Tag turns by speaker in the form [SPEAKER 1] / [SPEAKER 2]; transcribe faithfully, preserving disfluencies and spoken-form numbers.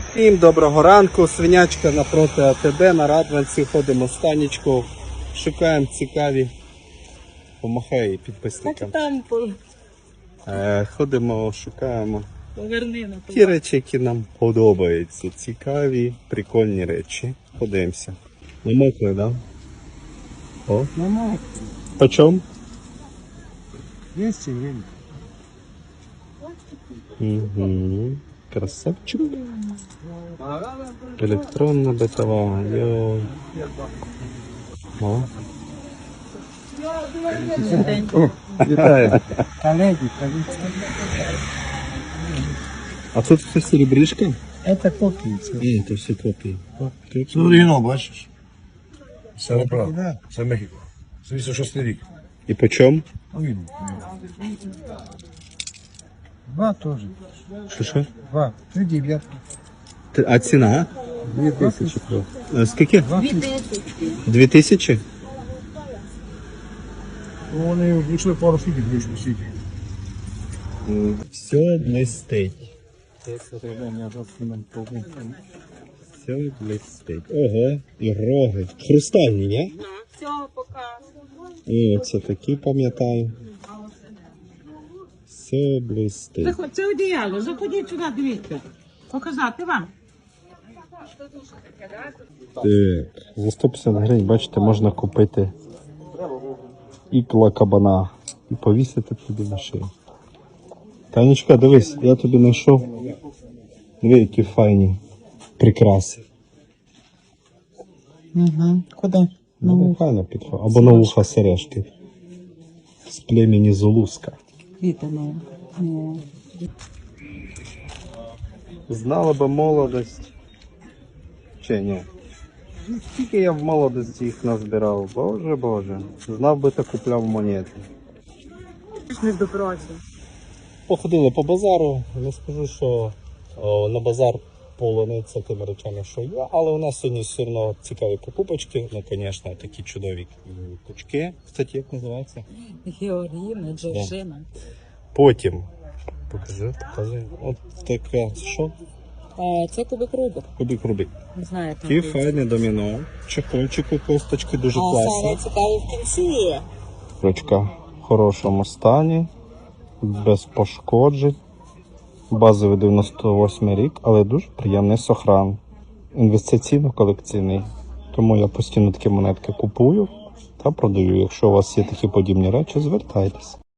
[SPEAKER 1] Всім доброго ранку, свинячка напроти АТБ, на Радванці, ходимо з Танечкою, шукаємо цікаві, помахай підписникам.
[SPEAKER 2] Так там по...
[SPEAKER 1] Е, ходимо, шукаємо
[SPEAKER 2] поверни на
[SPEAKER 1] ті речі, які нам подобаються, цікаві, прикольні речі. Ходимося. Намокли, да? О,
[SPEAKER 2] Мама,
[SPEAKER 1] по чому?
[SPEAKER 2] двести гривен.
[SPEAKER 1] Угу. Красавчик. Електронна битова. Йой. О. Вітаю.
[SPEAKER 2] Коллеги, коллеги.
[SPEAKER 1] А тут все серебришка?
[SPEAKER 2] Это копии.
[SPEAKER 1] Ні, це все копії.
[SPEAKER 3] Це оригінал, бачиш? Серебро. Це Мехіко. Це вісімдесят шостий рік.
[SPEAKER 1] І по чому?
[SPEAKER 3] Ну, він.
[SPEAKER 2] Два тоже.
[SPEAKER 1] Що що?
[SPEAKER 2] Два. Три девятки.
[SPEAKER 1] Ти- А ціна?
[SPEAKER 2] Две тысячи.
[SPEAKER 1] Е, Скільки?
[SPEAKER 2] Два тысячи.
[SPEAKER 1] Дві тисячі?
[SPEAKER 3] Ну, вони влучили пару фігів, вийшли стільки.
[SPEAKER 1] Все блистить. Все блистить. Ого, і роги. Хрустальні, ні?
[SPEAKER 2] Все, пока.
[SPEAKER 1] О, це такі пам'ятаю. Все блистить.
[SPEAKER 4] Заходь, це одіяло, заходіть сюди, дивіться. Показати вам.
[SPEAKER 1] Так, за сто п'ятдесят гривень, бачите, можна купити ікла кабана і повісити тобі на шию. Танечка, дивись, я тобі знайшов. Диви, які файні прикраси.
[SPEAKER 4] Угу. Куди?
[SPEAKER 1] Ну, файно підходить. Або на вуха сережки. З племені Зулуска.
[SPEAKER 4] Квітами.
[SPEAKER 1] Знала би молодость. Чи ні? Скільки я в молодості їх назбирав, боже боже. Знав би, та купляв монети.
[SPEAKER 4] Не добраться.
[SPEAKER 1] Походили по базару, не скажу, що о, на базар полониться тими речами, що є, але у нас сьогодні все одно цікаві покупочки, ну, звісно, такі чудові кучки. Кстати, як називається?
[SPEAKER 4] Георгіна, Джорджина.
[SPEAKER 1] Потім, покажи, покажи, от таке, що?
[SPEAKER 4] А, це кубик Рубик.
[SPEAKER 1] Кубик Рубик.
[SPEAKER 4] Не знаю, там.
[SPEAKER 1] Ті файне доміно, чехольчику, косточки дуже
[SPEAKER 4] А
[SPEAKER 1] класні.
[SPEAKER 4] саме цікаве в кінці.
[SPEAKER 1] Ручка в хорошому стані, без пошкоджень. Базовий дев'яносто восьмий рік, але дуже приємний сохран. Інвестиційно-колекційний. Тому я постійно такі монетки купую та продаю. Якщо у вас є такі подібні речі, звертайтеся.